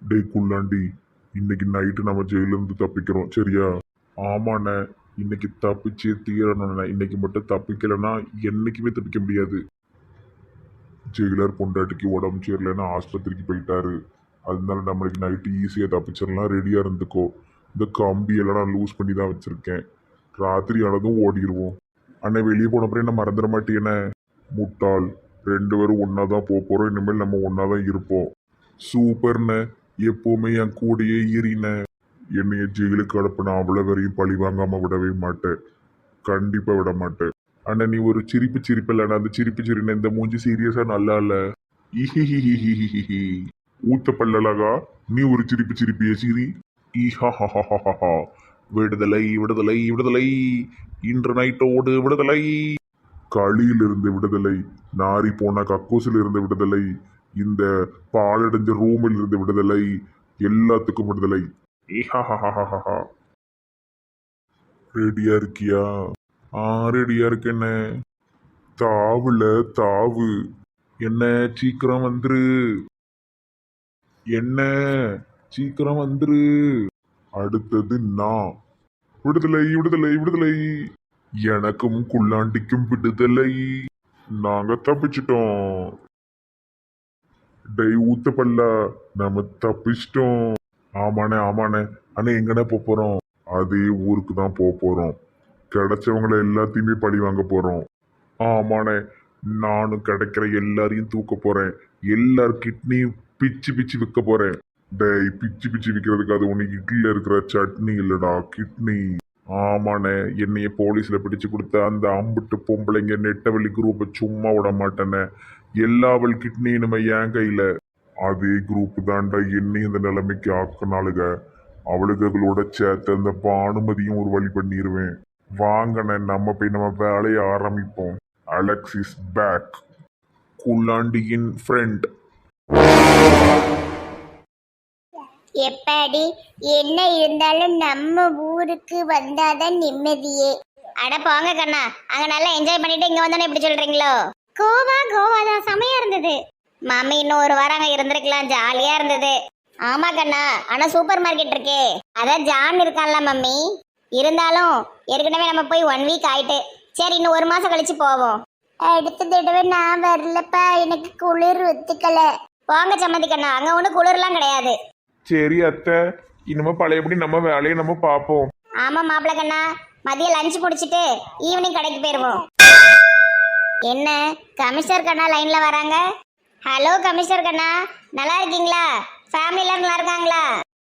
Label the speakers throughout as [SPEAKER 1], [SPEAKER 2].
[SPEAKER 1] டேய் குள்ளாண்டி, இன்னைக்கு நைட்டு நம்ம ஜெயில இருந்து தப்பிக்கிறோம் சரியா? ஆமாண்ணே. இன்னைக்கு தப்பிச்சே தீரணும்ண்ணே. இன்னைக்கு மட்டும் தப்பிக்கலைன்னா என்னைக்குமே தப்பிக்க முடியாது. ஜெயிலர் பொண்டாட்டிக்கு உடம்பு சரியில்லைன்னா ஆஸ்பத்திரிக்கு போயிட்டாரு. அதனால நம்மளுக்கு நைட்டு ஈஸியாக தப்பிச்சிடலாம். ரெடியாக இருந்துக்கோ. இந்த கம்பியெல்லாம் நான் லூஸ் பண்ணி தான் வச்சுருக்கேன். ராத்திரி ஆனதும் ஓடிடுவோம். அண்ணே வெளியே போன அப்புறம் என்ன மறந்துட மாட்டேனே? முட்டாள். ரெண்டு பேரும் ஒன்றா தான் போக போகிறோம். இனிமேல் நம்ம ஒன்றா தான் இருப்போம். சூப்பர்ண்ணே. எப்போவுமே என் கூடயே ஈறின. என்னைய ஜெயிலுக்கு அனுப்பின அவ்வளோ வரையும் பழி வாங்காமல் விடவே மாட்டேன். கண்டிப்பாக விட மாட்டேன். அண்ணா நீ ஒரு சிரிப்பு சிரிப்பில்லைண்ணா. அந்த சிரிப்பு சிரின இந்த மூஞ்சி சீரியஸாக நல்லா இல்லை. இஹிஹிஹிஹிஹிஹி. ஊத்த பல்லழகா, நீ ஒரு சிரிப்பு சிரிப்பிய சிரி. ஈஹாஹாஹாஹா. விடுதலை விடுதலை விடுதலை. இன்று நைட்டோடு விடுதலை. களியிலிருந்து விடுதலை. நாரி போன கக்கூசில் இருந்து விடுதலை. இந்த பாலடைஞ்ச ரூமில் இருந்து விடுதலை. எல்லாத்துக்கும் விடுதலை. ஈஹாஹாஹாஹா. ரெடியா இருக்கியா? ரெடியா இருக்கேன்னு. தாவுல தாவு. என்ன சீக்கிரம் வந்துரு. என்ன சீக்கிரம் வந்துரு. அடுத்தது நான். விடுதலை விடுதலை விடுதலை. எனக்கும் குள்ளாண்டிக்கும் விடுதலை. நாங்க தப்பிச்சிட்டோம். டை ஊத்த பல்ல. நம்ம தப்பிச்சிட்டோம். ஆமாண்ணே ஆமாண்ணே. அண்ணே எங்கண்ணே போறோம்? அதே ஊருக்கு தான் போறோம். கிடைச்சவங்கள எல்லாத்தையுமே பழி வாங்க போறோம். ஆமாண்ணே. நானும் கிடைக்கிற எல்லாரையும் தூக்க போறேன். எல்லார் கிட்னியும் பிச்சு பிச்சு விற்க போறேன். டேய் பிச்சு பிச்சு விற்கிறதுக்கு அது உனக்கு இட்லியில் இருக்கிற சட்னி இல்லடா, கிட்னி. ஆமாண்ணே. என்னைய போலீஸ்ல பிடிச்சு கொடுத்த அந்த அம்புட்டு பொம்பளைங்க நெட்டவழி குரூப்பை சும்மா விட மாட்டேனே. எல்லாவள் கிட்னி இனிமே என் கையில. அதே குரூப் தாண்டா என்னையும் இந்த நிலைமைக்கு ஆக்கினாளுங்க. அவளுகளோட சேர்த்து அந்த பானுமதியும் ஒரு வழி பண்ணிடுவேன். வாங்கண்ணே நம்ம போய் நம்ம வேலையை ஆரம்பிப்போம். Alex is back. குள்ளாண்டியின் ஃப்ரெண்ட்.
[SPEAKER 2] எப்பாடி என்ன இருந்தாலும் நம்ம ஊருக்கு வந்தாதான் நிம்மதியே. அட போங்க கண்ணா, அங்க நல்லா என்ஜாய் பண்ணிட்டு இங்க வந்தானே இப்படி சொல்றீங்களோ? கோவா தான் செமையா இருந்தது. மாமி இன்னும் ஒரு வாரம் அங்க இருந்திருக்கலாம், ஜாலியா இருந்தது. ஆமா கண்ணா, ஆனா சூப்பர் மார்க்கெட் இருக்கே, அதான் ஜான் இருக்கான்ல மம்மி. இருந்தாலும் ஏற்கனவே நம்ம போய் 1 வீக் ஆயிட்டு. சரி இன்னும் 1 மாசம் கழிச்சு போவோம். அடுத்த தடவை நான் வரலப்பா, எனக்கு குளிர் ஒத்துக்கல. போங்க சம்மதி கண்ணா, அங்க ஒன்றும் குளிர்லாம் கிடையாது.
[SPEAKER 1] சரி அத்தை, இனிமே பழையபடி நம்ம வேலையை நம்ம பார்ப்போம்.
[SPEAKER 2] ஆமா மாப்பிள்ள கண்ணா, மதியம் லஞ்ச் முடிச்சிட்டு ஈவினிங் கடைக்கு போயிருவோம். என்ன கமிஷனர் கண்ணா லைன்ல வராங்க? ஹலோ கமிஷனர் கண்ணா, நல்லா இருக்கீங்களா? ஃபேமிலி எல்லாம் நல்லா இருக்காங்களா?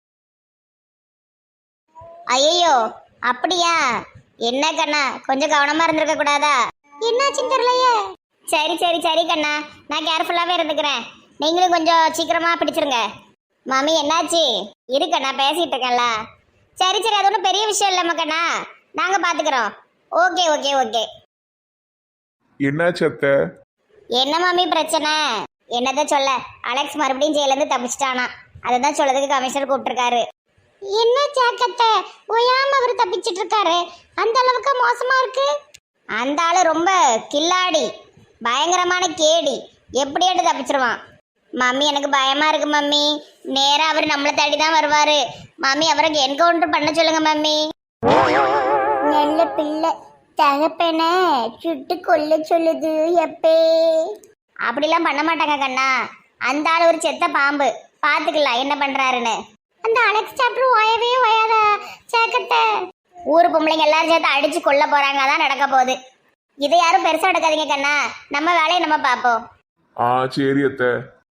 [SPEAKER 2] ஐயோ அப்படியா? என்ன கண்ணா கொஞ்சம் கவனமா இருந்திருக்க கூடாதா? என்னாச்சுன்னு தெரியலையே. சரி சரி சரி கண்ணா, நான் கேர்ஃபுல்லாவே இருந்துக்கிறேன். நீங்களும் கொஞ்சம் சீக்கிரமா பிடிச்சிருங்க. மாமி என்னாச்சு? இருக்கண்ணா பேசிட்டு இருக்கேன்ல. சரி சரி, அது ஒன்றும் பெரிய விஷயம் இல்லை மக்கண்ணா, நாங்க பாத்துக்கிறோம். Okay okay okay.
[SPEAKER 1] என்னாச்சு அத்தை?
[SPEAKER 2] என்ன மாமி பிரச்சனை? என்னதான் சொல்ல, அலெக்ஸ் மறுபடியும் ஜெயிலேருந்து தப்பிச்சிட்டானா, அதை தான் சொல்லதுக்கு கமிஷனர் கூப்பிட்டுருக்காரு. என்ன ஜாக்கத்தை ஓயாம அவர் தப்பிச்சிட்டு இருக்காரு, அந்த அளவுக்கு மோசமா இருக்கு. அந்த ஆளு ரொம்ப கில்லாடி, பயங்கரமான கேடி, எப்படியாட்டு தப்பிச்சிருவான். மம்மி எனக்கு பயமா இருக்கு மம்மி. நேரா அவர் நம்மளை தேடி தான் வருவாரு மம்மி. அவருக்கு என்கவுண்டர் பண்ண சொல்லுங்க மம்மி. நல்ல பிள்ளை, தகப்பன சுட்டு கொல்ல சொல்லுது எப்பே. அப்படிலாம் பண்ண மாட்டாங்க கண்ணா, அந்த ஆள் ஒரு செத்த பாம்பு, பாத்துக்கலாம் என்ன பண்றாருன்னு. அந்த அலெக்ஸ் சாப்டர் ஓயவே ஓயாத சேக்கத்தை. ஊர் பொம்பளைங்க எல்லாரும் சேர்த்து அடிச்சு கொல்ல போறாங்க, அதான் நடக்க போகுது. இதை யாரும் பெருசா எடுக்காதீங்க கண்ணா, நம்ம வேலையை நம்ம பார்ப்போம்.
[SPEAKER 1] சரி அத்தை.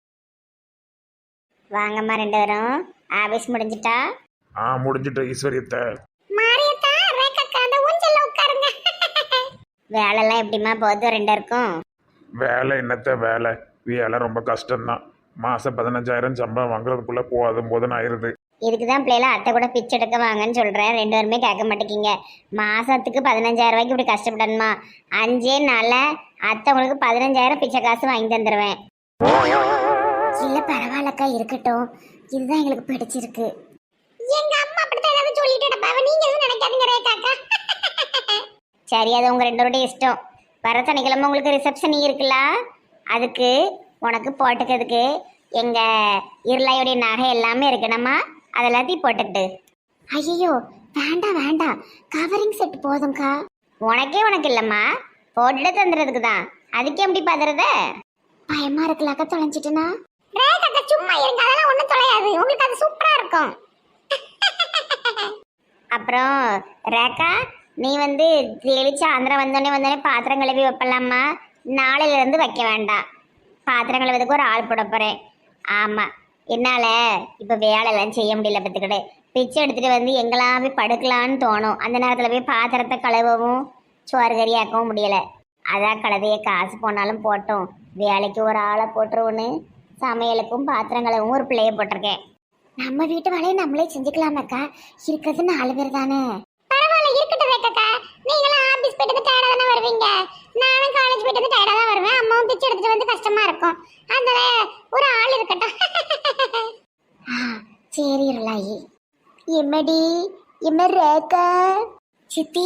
[SPEAKER 2] வாங்கம்மா ரெண்டு பேரும். ஆபீஸ் முடிஞ்சிட்டா?
[SPEAKER 1] முடிஞ்சிட்ட ஈஸ்வரியத்தை.
[SPEAKER 2] மாரியத்தா ரேக்கா அந்த ஊஞ்சல்ல உட்காருங்க. வேலைலாம் எப்படிமா போகுது ரெண்டு இருக்கும்?
[SPEAKER 1] வேலை என்னத்த வேலை, வேலை ரொம்ப கஷ்டம்தான். மாதம் 15,000 சம்பளம் வாங்குறதுக்குள்ளே போதும் ஆயிடுது.
[SPEAKER 2] இதுக்கு தான் பிள்ளைல அத்தை கூட பிச்சை எடுக்க வாங்கன்னு சொல்கிறேன், ரெண்டு பேருமே கேட்க மாட்டேங்கிங்க. மாதத்துக்கு 15,000 ரூபாய்க்கு இப்படி கஷ்டப்படணுமா? 5 நாளில் அத்தை உங்களுக்கு 15,000 பிச்சை காசு வாங்கி தந்துடுவேன். இல்லை பரவாயில்லக்கா, இருக்கட்டும், இதுதான் எங்களுக்கு பிடிச்சிருக்கு. எங்க அம்மா அப்படித்தான் ஏதாவது சொல்லிட்டு நீங்க எதுவும் நினைக்காதீங்க ரேகாக்கா. சரி அது உங்க ரெண்டு பேருடைய இஷ்டம். வர சனிக்கிழமை உங்களுக்கு ரிசப்ஷன் இருக்குல்ல, அதுக்கு உனக்கு போட்டுக்கிறதுக்கு எங்க இருளையுடைய நகை எல்லாமே இருக்கணுமா அதெல்லாத்தையும் போட்டுக்கிட்டு. ஐயோ வேண்டாம் வேண்டாம், கவரிங் செட் போதும்க்கா. உனக்கு இல்லம்மா, போட்டுட்டு தந்துறதுக்கு தான். அதுக்கு எப்படி பதறத? பயமா இருக்கலாக்க தொலைஞ்சிட்டுனா. சும்மா இருங்க, அதெல்லாம் ஒண்ணும் தொலையாது, உங்களுக்கு அது சூப்பரா இருக்கும். அப்புறம் ரேக்கா, நீ வந்து தெளிச்சு ஆந்திரம் வந்தோடனே பாத்திரம் கழுவி வைப்பலாமா? நாளையில இருந்து வைக்க வேண்டாம். பாத்திரம் கழுவதுக்கு ஒரு ஆள் போட போறேன். ஆமா, என்னால இப்ப வேலையெல்லாம் செய்ய முடியல. பத்துக்கிட்டு பிச்சை எடுத்துட்டு வந்து எங்கெல்லாம் போய் படுக்கலான்னு தோணும். அந்த நேரத்துல போய் பாத்திரத்தை கழுவவும் சோறு கறியாக்கவும் முடியல. அதான் கழுதைய காசு போனாலும் போட்டோம், வேலைக்கு ஒரு ஆளை போட்டுருவோன்னு சமையலுக்கும் பாத்திரம் கழுவவும் ஒரு பிள்ளைய போட்டிருக்கேன். நம்ம வீட்டு வேலையை நம்மளே செஞ்சுக்கலாமக்கா, இருக்கிறது 4 பேர் தானே. பரவாயில்ல, இருக்கட்டும் ரேக்கா. நீங்களும் ஆபீஸ் போயிட்டு வந்து டயர்டா தானே வருவீங்க, நானும் காலேஜ் போயிட்டு வந்து டயர்டா தான் வருவேன். அம்மாவும் பிச்சை எடுத்துட்டு வந்து கஷ்டமா இருக்கும், அதனால ஒரு ஆள் இருக்கட்டும். சரி இருளாயி. எம்மடி எம்ம ரேக்கா சித்தி.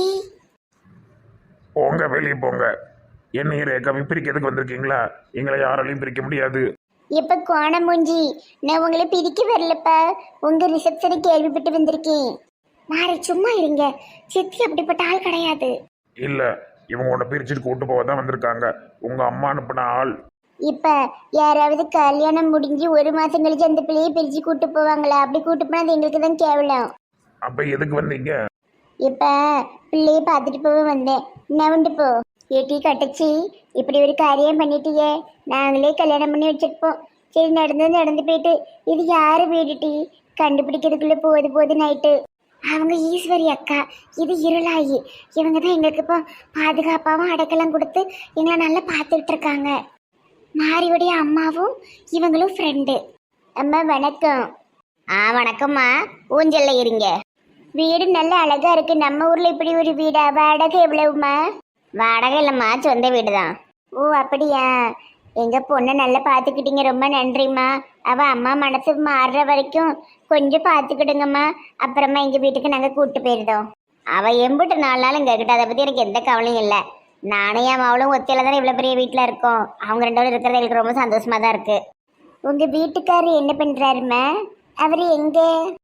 [SPEAKER 3] போங்க, வெளியே போங்க. என்னையும் ரேகாவையும் பிரிக்கிறதுக்கு வந்திருக்கீங்களா? எங்களை யாராலையும் பிரிக்க முடியாது.
[SPEAKER 2] இப்ப கோணமூஞ்சி, நான் உங்களை பிரிக்க வரலப்பா, உங்க ரிசப்ஷனை கேள்விப்பட்டு வந்திருக்கேன். மாறி சும்மா இருங்க, சித்தி அப்படிப்பட்ட ஆள் கிடையாது.
[SPEAKER 3] இல்ல, இவங்க உன்னை பிரிச்சுட்டு கூட்டு போக தான் வந்திருக்காங்க. உங்க அம்மா அனுப்பின ஆள்.
[SPEAKER 2] இப்ப யாராவது கல்யாணம் முடிஞ்சு 1 மாசம் கழிச்சு அந்த பிள்ளையை பிரிச்சு கூட்டு போவாங்களா? அப்படி கூட்டு போனா அது எங்களுக்கு தான் கேவலம்.
[SPEAKER 3] அப்ப எதுக்கு வந்தீங்க?
[SPEAKER 2] இப்ப பிள்ளையை பார்த்துட்டு போக வந்தேன். நவுண்டு போ. ஏட்டி கட்டச்சி, இப்படி ஒரு காரியம் பண்ணிட்டியே, நாங்களே கல்யாணம் பண்ணி வச்சிருப்போம். சரி, நடந்து போயிட்டு இது யாரு வீடுட்டி கண்டுபிடிக்கிறதுக்குள்ள போது நைட்டு. அவங்க ஈஸ்வரி அக்கா, இது இருளாயி. இவங்க தான் எங்களுக்கு இப்போ பாதுகாப்பாகவும் அடைக்கலம் கொடுத்து எங்களை நல்லா பார்த்துக்கிட்டு இருக்காங்க. மாரியுடைய அம்மாவும் இவங்களும் ஃப்ரெண்டு. அம்மா வணக்கம். வணக்கம்மா. ஊஞ்சல்ல இருங்க. வீடு நல்ல அழகா இருக்கு. நம்ம ஊர்ல இப்படி ஒரு வீடா? வாடகை எவ்வளவுமா? வாடகை இல்லம்மா, சொந்த வீடு தான். ஓ அப்படியா? எங்க பொண்ணை நல்லா பார்த்துக்கிட்டீங்க, ரொம்ப நன்றிம்மா. அவ அம்மா மனசு மாறுற வரைக்கும் கொஞ்சம் பார்த்துக்கிடுங்கம்மா. அப்புறமா எங்க வீட்டுக்கு நாங்க கூட்டு போயிருந்தோம். அவ எம்பிட்டு 4 நாள் இங்க கிட்ட, அதை பத்தி எனக்கு எந்த கவலையும் இல்லை. நானும் என் அவளும் ஒத்தையில தானே இவ்வளவு பெரிய வீட்டுல இருக்கோம். அவங்க 2 பேரும் இருக்கிறது எனக்கு ரொம்ப சந்தோஷமா தான் இருக்கு. உங்க வீட்டுக்காரர் என்ன பண்றாருமா? அவரு எங்க?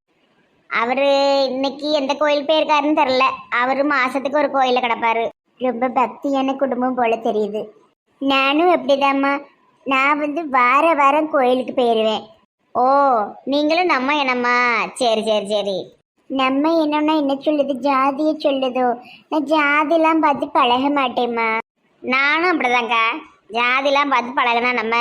[SPEAKER 2] அவரு இன்னைக்கு எந்த கோயில் போயிருக்காருன்னு தெரியல. அவரு மாசத்துக்கு ஒரு கோயில கிடப்பாரு. ரொம்ப பக்தியான குடும்பம் போல தெரியுது. நானும் எப்படிதாம்மா, நான் வந்து வாரம் கோயிலுக்கு போயிடுவேன். ஓ, நீங்களும் நம்ம என்னம்மா? சரி. நம்ம என்னன்னா என்ன சொல்லுது? ஜாதியை சொல்லுதோ? நான் ஜாதிலாம் பார்த்து பழக மாட்டேம்மா. நானும் அப்படிதாங்க்கா, ஜாதிலாம் பார்த்து பழகினா நம்ம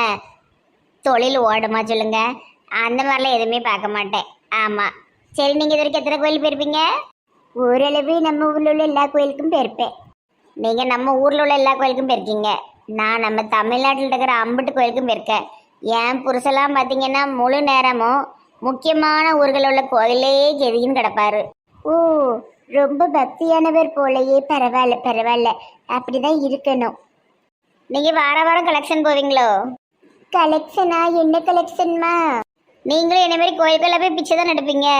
[SPEAKER 2] தொழில் ஓடுமா சொல்லுங்க? அந்த மாதிரிலாம் எதுவுமே பார்க்க மாட்டேன். ஆமாம். சரி, நீங்கள் இது வரைக்கும் எத்தனை கோயில் போயிருப்பீங்க? ஓரளவு நம்ம ஊரில் உள்ள எல்லா கோயிலுக்கும் போயிருப்பேன். நீங்கள் நம்ம ஊரில் உள்ள எல்லா கோயிலுக்கும் போயிருக்கீங்க. நான் நம்ம தமிழ்நாட்டில் இருக்கிற அம்புட்டு கோயிலுக்கும் போயிருக்கேன். என் புருஷெல்லாம் பார்த்தீங்கன்னா முழு நேரமும் முக்கியமான ஊர்களில் உள்ள கோயிலே கெதின்னு கிடப்பாரு. ஓ, ரொம்ப பக்தியானவர் போலையே. பரவாயில்ல, அப்படிதான் இருக்கணும். நீங்கள் வாரம் கலெக்ஷன் போவீங்களோ? கலெக்ஷனா? என்ன கலெக்ஷன்மா? நீங்களும் என்ன மாதிரி கோயிலுக்குள்ள போய் பிச்சை தான் நடப்பீங்க.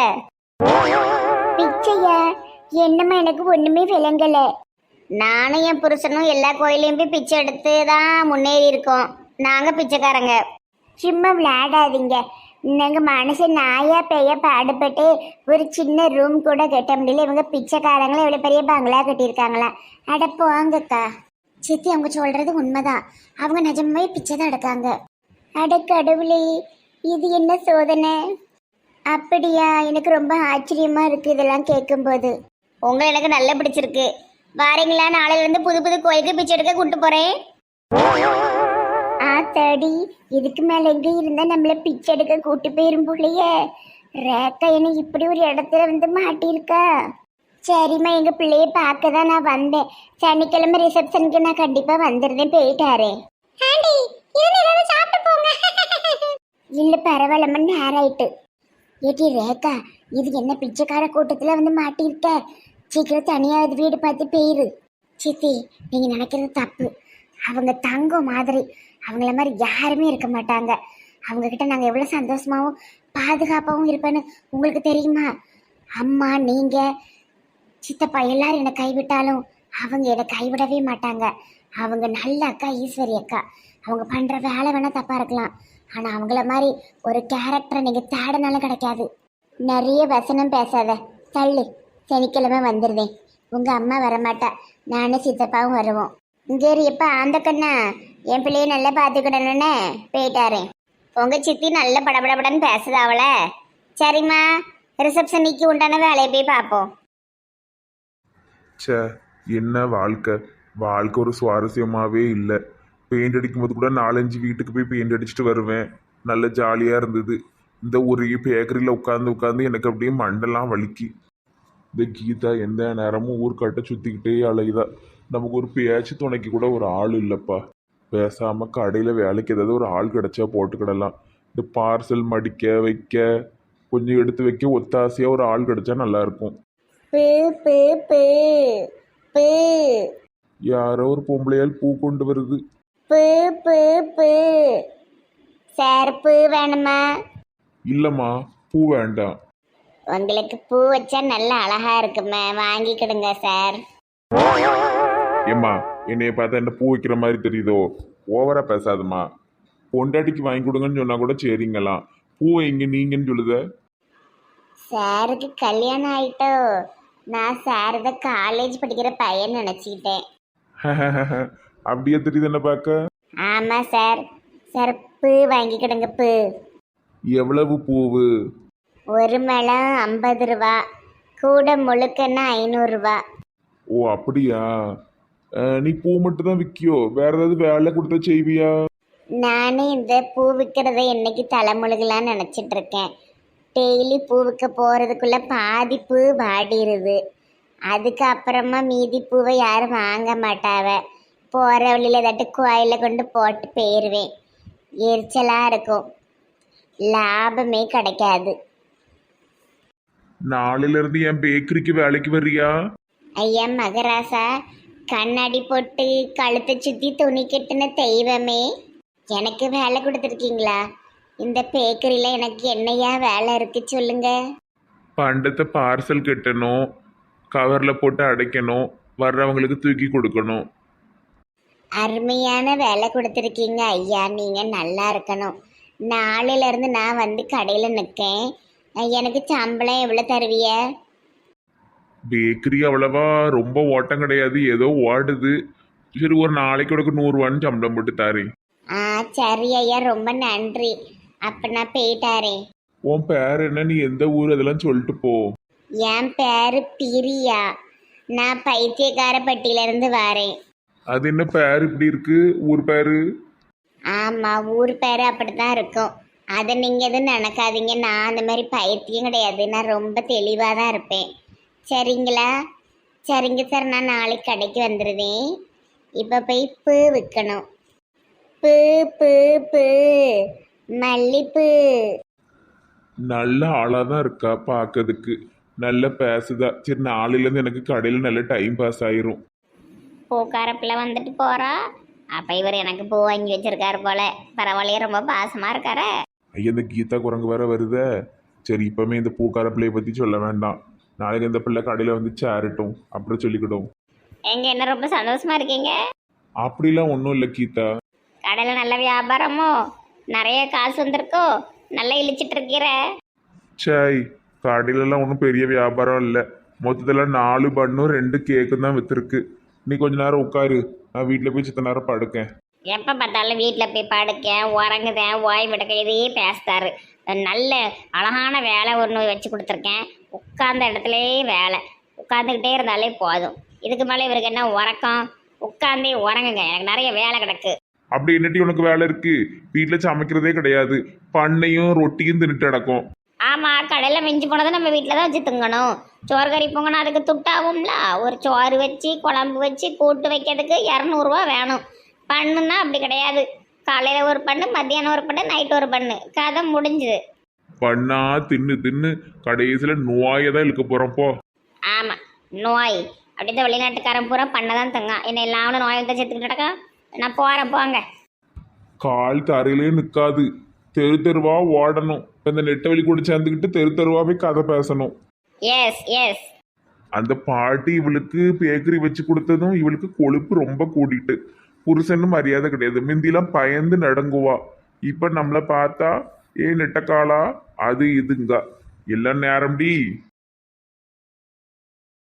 [SPEAKER 2] பிச்சையா? என்னம்மா, எனக்கு ஒண்ணுமே விளங்கல. நானும் என் புருஷனும் எல்லா கோயிலையும் போய் பிச்சை எடுத்து தான் முன்னேறி இருக்கோம். நாங்க பிச்சைக்காரங்க. சும்மா விளையாடாதீங்க. நாங்க மனுஷன் நாயா பேய பாடுபட்டு ஒரு சின்ன ரூம் கூட கட்ட முடியல. இவங்க பிச்சைக்காரங்களும் இவ்வளவு பெரிய பங்களா கட்டியிருக்காங்களா? அட போங்கக்கா. சித்தி, அவங்க சொல்றது உண்மைதான். அவங்க நிஜமாவே பிச்சை தான் எடுக்காங்க. அட கடவுளே, இது என்ன சோதனை? அப்படியா? எனக்கு ரொம்ப ஆச்சரியமா இருக்கு இதெல்லாம் கேட்கும்போது. உங்களை எனக்கு நல்லா பிடிச்சிருக்கு. வாரீங்களா? நாளையில இருந்து புது கோயிலுக்கு பிச்சை எடுக்க கூட்டு போறேன். ஆத்தாடி, இதுக்கு மேல எங்க இருந்தா நம்மள பிச்சை எடுக்க கூட்டு போயிரும் போலையே. ரேக்கா என்ன இப்படி ஒரு இடத்துல வந்து மாட்டியிருக்கா? சரிம்மா, எங்க பிள்ளைய பார்க்க தான் நான் வந்தேன். சனிக்கிழமை ரிசப்ஷனுக்கு நான் கண்டிப்பா வந்துருந்தேன். போயிட்டாரே. இல்ல பரவாயில்லம்மா, நேரம் ஆயிட்டு. ஏட்டி ரேக்கா, இது என்ன பிச்சைக்கார கூட்டத்துல வந்து மாட்டியிருக்க? சீக்கிரம் தனியாவது வீடு பார்த்து போயிரு. சித்தி, நீங்க நினைக்கிறது தப்பு. அவங்க தங்கம் மாதிரி, அவங்கள மாதிரி யாருமே இருக்க மாட்டாங்க. அவங்க கிட்ட நாங்க எவ்வளவு சந்தோஷமாவும் பாதுகாப்பாகவும் இருப்பேன்னு உங்களுக்கு தெரியுமா? அம்மா, நீங்க, சித்தப்பா எல்லாரும் என்னை கைவிட்டாலும் அவங்க என்னை கைவிடவே மாட்டாங்க. அவங்க நல்ல அக்கா ஈஸ்வரி அக்கா. அவங்க பண்ற வேலை வேணா தப்பா இருக்கலாம், ஆனா அவங்கள மாதிரி ஒரு கேரக்டரை நீங்க தேடனாலும் கிடைக்காது. நிறைய வசனம் பேசாத, தள்ளு. சனிக்கிழமை வந்துடுவேன். உங்க அம்மா வரமாட்டா, நானும் சித்தப்பாவும் வருவோம். இங்கே எப்ப ஆந்த கண்ணா என் பிள்ளைய நல்லா பார்த்துக்கிடணுன்னு போயிட்டாரேன். உங்க சித்தி நல்ல படபடபடன்னு பேசுதா அவளை. சரிம்மா, ரிசப்ஷனிக்கு உண்டான வேலையை போய் பார்ப்போம்.
[SPEAKER 1] ச்சே, என்ன வாழ்க்கை! வாழ்க்கை ஒரு சுவாரஸ்யமாகவே இல்லை. பெயிண்ட் அடிக்கும்போது கூட 4-5 வீட்டுக்கு போய் பெயிண்ட் அடிச்சுட்டு வருவேன். நல்ல ஜாலியாக இருந்தது. இந்த ஒரு பேக்கரியில் உட்காந்து உட்காந்து எனக்கு அப்படியே மண்டெல்லாம் வலிக்கு. இந்த கீதா எந்த நேரமும் ஊர்க்காட்ட சுற்றிக்கிட்டே அலையுதா. நமக்கு ஒரு பேச்சு துணைக்கு கூட ஒரு ஆள் இல்லைப்பா. பேசாமல் கடையில் வேலைக்கு ஏதாவது ஒரு ஆள் கிடச்சா போட்டுக்கிடலாம். இந்த பார்சல் மடிக்க வைக்க, கொஞ்சம் எடுத்து வைக்க ஒத்தாசையாக ஒரு ஆள் கிடச்சா நல்லாயிருக்கும்.
[SPEAKER 2] பு பு பு பு
[SPEAKER 1] யாரோ ஒரு பொம்பளையால் பூ கொண்டு வருது.
[SPEAKER 2] பு பு பு. சார், பூ வேணுமா?
[SPEAKER 1] இல்லைம்மா, பூ வேண்டாம்.
[SPEAKER 2] உங்களுக்கு பூ வச்சா நல்ல அழகா இருக்குமே, வாங்கிக்கிடுங்க சார்.
[SPEAKER 1] ஏம்மா, என்னைய பார்த்தா என்ன பூ வைக்கிற மாதிரி தெரியுதோ? ஓவரா பேசாதம்மா. பொண்டாட்டிக்கு வாங்கி கொடுங்கன்னு சொன்னா கூட சரிங்களாம். பூவை இங்க நீங்கன்னு சொல்லுத.
[SPEAKER 2] சாருக்கு கல்யாணம் ஆயிட்டோ? நான் சார் தான் காலேஜ் படிக்கிற பையன் நினச்சிக்கிட்டேன்.
[SPEAKER 1] அப்படியே தெரியுது என்ன பார்க்க?
[SPEAKER 2] ஆமாம் சார். சார், பூ வாங்கிக்கிடுங்க. பூ
[SPEAKER 1] எவ்வளவு பூவு?
[SPEAKER 2] ஒரு முழம் 50 ரூபா, கூட முழுக்கன்னா 500 ரூபா.
[SPEAKER 1] ஓ அப்படியா? நீ பூ மட்டும் தான் விற்கியோ? வேற ஏதாவது வேலை கொடுத்தா செய்வியா?
[SPEAKER 2] நானே இந்த பூ விற்கிறத என்னைக்கு தலைமுழுகலான்னு நினச்சிட்டு இருக்கேன். டெய்லி பூ விற்க போகிறதுக்குள்ள பாதி பூ வாடிடுது. அதுக்கப்புறமா மீதி பூவை யாரும் வாங்க மாட்டாவ. போகிற வழியில் ஏதாட்டு கோயிலில் கொண்டு போட்டு போயிடுவேன். எரிச்சலாக இருக்கும், லாபமே கிடைக்காது.
[SPEAKER 1] நாளையில இருந்து என் பேக்கரிக்கு வேலைக்கு வர்றியா?
[SPEAKER 2] ஐயா மகராசா, கண்ணாடி போட்டு கழுத்தை சுற்றி துணி கட்டின தெய்வமே, எனக்கு வேலை கொடுத்துருக்கீங்களா? இந்த பேக்கரியில் எனக்கு என்னையா வேலை இருக்கு சொல்லுங்க.
[SPEAKER 1] பண்டத்தை பார்சல் கட்டணும், கவரில் போட்டு அடைக்கணும், வர்றவங்களுக்கு தூக்கி கொடுக்கணும்.
[SPEAKER 2] அருமையான வேலை கொடுத்துருக்கீங்க ஐயா, நீங்கள் நல்லா இருக்கணும். நாளையிலேருந்து நான் வந்து கடையில் நிற்கேன். எனக்கு சம்பளம் எவ்வளோ தருவிய?
[SPEAKER 1] பேக்கரி அவ்வளவா ரொம்ப ஓட்டம் கிடையாது, ஏதோ ஓடுது. சரி, ஒரு நாளைக்கு உனக்கு 100 ரூபான்னு சம்பளம் போட்டு தாரேன்.
[SPEAKER 2] ஆ சரி ஐயா, ரொம்ப நன்றி. அப்போ நான் போயிட்டாரேன்.
[SPEAKER 1] உன் பேர் என்ன? நீ எந்த ஊர்? அதெல்லாம் சொல்லிட்டு போ.
[SPEAKER 2] என் பேரு பிரியா. நான் பைத்தியக்காரப்பட்டியிலேருந்து வரேன்.
[SPEAKER 1] அது என்ன பேர் இப்படி இருக்கு? ஊர் பேரு?
[SPEAKER 2] ஆமாம், ஊர் பேர் அப்படி தான் இருக்கும். அதை நீங்கள் எதுவும் நினைக்காதீங்க. நான் அந்த மாதிரி பைத்தியம் கிடையாது. நான் ரொம்ப தெளிவாக தான் இருப்பேன். சரிங்களா? சரிங்க சார், நான் நாளைக்கு கடைக்கு வந்துடுவேன். இப்போ போய் பூ விற்கணும். பூ பூ பூ மல்லிப்பூ.
[SPEAKER 1] நல்ல ஆளாக தான் இருக்கா பார்க்கறதுக்கு, நல்ல பேசுதா. சரி, நாளையிலேருந்து எனக்கு கடையில் நல்ல டைம் பாஸ் ஆயிரும்.
[SPEAKER 2] பூக்கார பிள்ளை வந்துட்டு போகிறா. அப்போ இவர் எனக்கு பூ வாங்கி வச்சிருக்காரு போல. பரவாயில்லையே, ரொம்ப பாசமாக இருக்காரு.
[SPEAKER 1] ஐயா, இந்த கீதா குரங்கு வேற வருதே. சரி, இப்போமே இந்த பூக்கார பிள்ளையை பற்றி சொல்ல வேண்டாம். நாளைக்கு இந்த பிள்ளை கடையில் வந்து சேரட்டும், அப்புறம் சொல்லிக்கிடும்.
[SPEAKER 2] எங்க என்ன ரொம்ப சந்தோஷமா இருக்கீங்க?
[SPEAKER 1] அப்படிலாம் ஒன்றும் இல்லை கீதா.
[SPEAKER 2] கடையில் நல்ல வியாபாரமோ? நிறைய காசு வந்திருக்கோ? நல்லா இழிச்சிட்டு இருக்கிற?
[SPEAKER 1] சாய், கடையிலலாம் ஒன்றும் பெரிய வியாபாரம் இல்லை. மொத்தத்தில் 4 பண்ணும் 2 கேக்கும் தான் விற்றுருக்கு. நீ கொஞ்ச நேரம் உட்காரு, நான் வீட்டில் போய் சித்த நேரம் படுக்கேன்.
[SPEAKER 2] எப்போ பார்த்தாலும் வீட்டில் போய் படுக்கேன், உறங்குதேன், ஓய்வு எடுக்க இதையே பேசுறாரு. நல்ல அழகான வேலை ஒன்று வச்சு கொடுத்துருக்கேன். உட்கார்ந்த இடத்துலையே வேலை, உட்காந்துக்கிட்டே இருந்தாலே போதும். இதுக்கு மேலே இவருக்கு என்ன உறக்கம்? உட்காந்தே உறங்குங்க, எனக்கு நிறைய வேலை கிடக்கு.
[SPEAKER 1] அப்படி என்னட்டி உனக்கு வேலை இருக்கு? வீட்டில் சமைக்கிறதே கிடையாது, பண்ணையும் ரொட்டியும் தின்னுட்டு அடக்கும்.
[SPEAKER 2] ஆமாம், கடையில் மிஞ்சி போனதை நம்ம வீட்டில் தான் வச்சு திங்கணும். சோறு கறி பொங்கணும், அதுக்கு துட்டாகும்ல. ஒரு சோறு வச்சு குழம்பு வச்சு கூட்டு வைக்கிறதுக்கு 200 ரூபா வேணும். பண்ணுன்னா அப்படி கிடையாது. காலையில் ஒரு பண்ணு, மத்தியானம் ஒரு பண்ணு, நைட்டு ஒரு பண்ணு, கதை முடிஞ்சுது.
[SPEAKER 1] பண்ணா தின்னு தின்னு கடைசியில் நோயை தான் இழுக்க போகிறப்போ.
[SPEAKER 2] ஆமாம், நோய். அப்படி தான் வெளிநாட்டுக்காரன் பூரா பண்ண தான் தங்க. என்ன எல்லாம் நோயை தான் செத்துக்கிட்டக்கா. நான் போகிறேன், போங்க.
[SPEAKER 1] கால் தரையிலே நிற்காது, தெரு தெருவா ஓடணும். இப்போ இந்த நெட்ட வழி கூட சேர்ந்துக்கிட்டு தெரு தெருவாவே கதை பேசணும்.
[SPEAKER 2] Yes yes.
[SPEAKER 1] அந்த பாட்டி இவளுக்கு பேக்கரி வச்சு கொடுத்ததும் இவளுக்கு கொழுப்பு ரொம்ப கூடிட்டு புருஷன்னு மரியாதை கிடையாது. முந்திலாம் பயந்து நடங்குவா. இப்ப நம்மளை பார்த்தா ஏ நெட்டக்காளா அது இதுங்க எல்லாம் நேரம்டி.